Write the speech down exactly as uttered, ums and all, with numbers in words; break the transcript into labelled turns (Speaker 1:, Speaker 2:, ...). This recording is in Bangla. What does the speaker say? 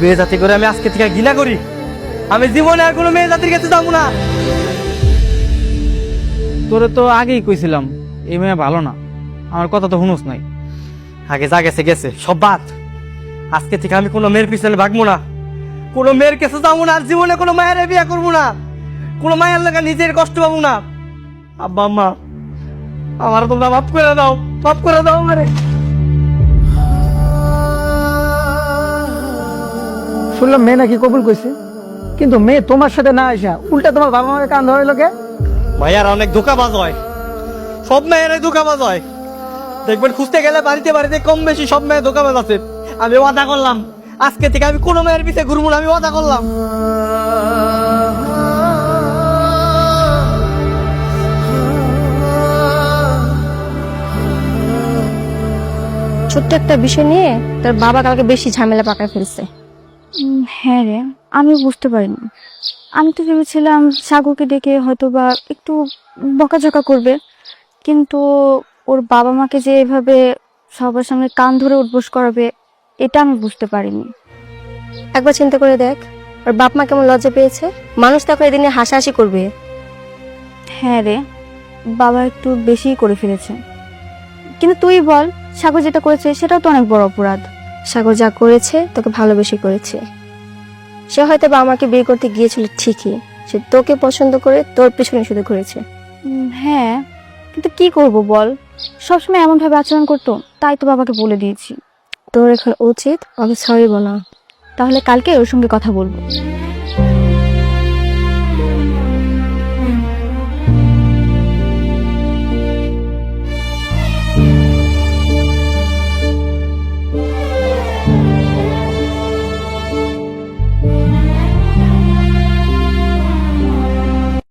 Speaker 1: মেয়ে জাতি করে আমি আজকে থেকে ঘৃণা করি। আমি জীবনে আর কোনো মেয়ে জাতির কাছে যাবো না।
Speaker 2: তোরে তো আগেই কইছিলাম এই মেয়ে ভালো না, আমার কথা তো শুনোস নাই।
Speaker 1: আগে যা গেছে গেছে, সব বাদ। আজকে থেকে আমি কোনো মেয়ের পিছনে ভাগবো না, কোনো মেয়ের কাছে যাবো না, আর জীবনে কোনো মায়ের বিয়ে করবো না, কোনো মায়ের লাগা নিজের কষ্ট পাবো না। আব্বা আম্মা, আমার তোমরা মাফ করে দাও, মাফ করে দাও আমারে।
Speaker 3: শুনলাম মেয়ে নাকি কবুল কইছে, কিন্তু মেয়ে তোমার সাথে না আসা উল্টা তোমার বাবা মাকে কান ধরাইলো কে?
Speaker 1: ভাইয়ার অনেক ধোকাবাজ হয়, সব মেয়েরাই ধোকাবাজ হয়। দেখবেন খুঁজতে গেলে বাড়িতে বাড়িতে কম বেশি সব মেয়ে ধোকাবাজ আছে। আমি ওয়াদা করলাম আজকে থেকে আমি কোনো মেয়ের পিছে ঘুরবো না, আমি ওয়াদা করলাম।
Speaker 4: ছোট্ট একটা বিষয় নিয়ে তোর বাবা কালকে বেশি ঝামেলা পাকায় ফেলছে।
Speaker 5: হ্যাঁ রে, আমি বুঝতে পারিনি। আমি তো ভেবেছিলাম সাগরকে ডেকে হয়তো বা একটু বকাঝকা করবে, কিন্তু ওর বাবা মাকে যে এভাবে সবার সামনে কান ধরে উঠবোস করাবে এটা আমি বুঝতে পারিনি।
Speaker 4: একবার চিন্তা করে দেখ ওর বাপ মা কেমন লজ্জা পেয়েছে। মানুষ তখন এদিনে হাসাহাসি করবে।
Speaker 5: হ্যাঁ রে, বাবা একটু বেশিই করে ফেলেছে। কিন্তু তুই বল, সাগর যেটা করেছে সেটাও তো অনেক বড় অপরাধ।
Speaker 4: সাগর যা করেছে তোকে ভালোবেসে করেছে। সে হয়তো বা আমাকে বিয়ে করতে গিয়েছিল ঠিকই, সে তোকে পছন্দ করে তোর পিছনে শুধু ঘুরেছে।
Speaker 5: উম, হ্যাঁ, কিন্তু কি করব বল, সবসময় এমন ভাবে আচরণ করতো, তাই তো বাবাকে বলে দিয়েছি।
Speaker 4: তোর এখন উচিত ওকে সরি বলা।
Speaker 5: তাহলে কালকে ওর সঙ্গে কথা বলবো।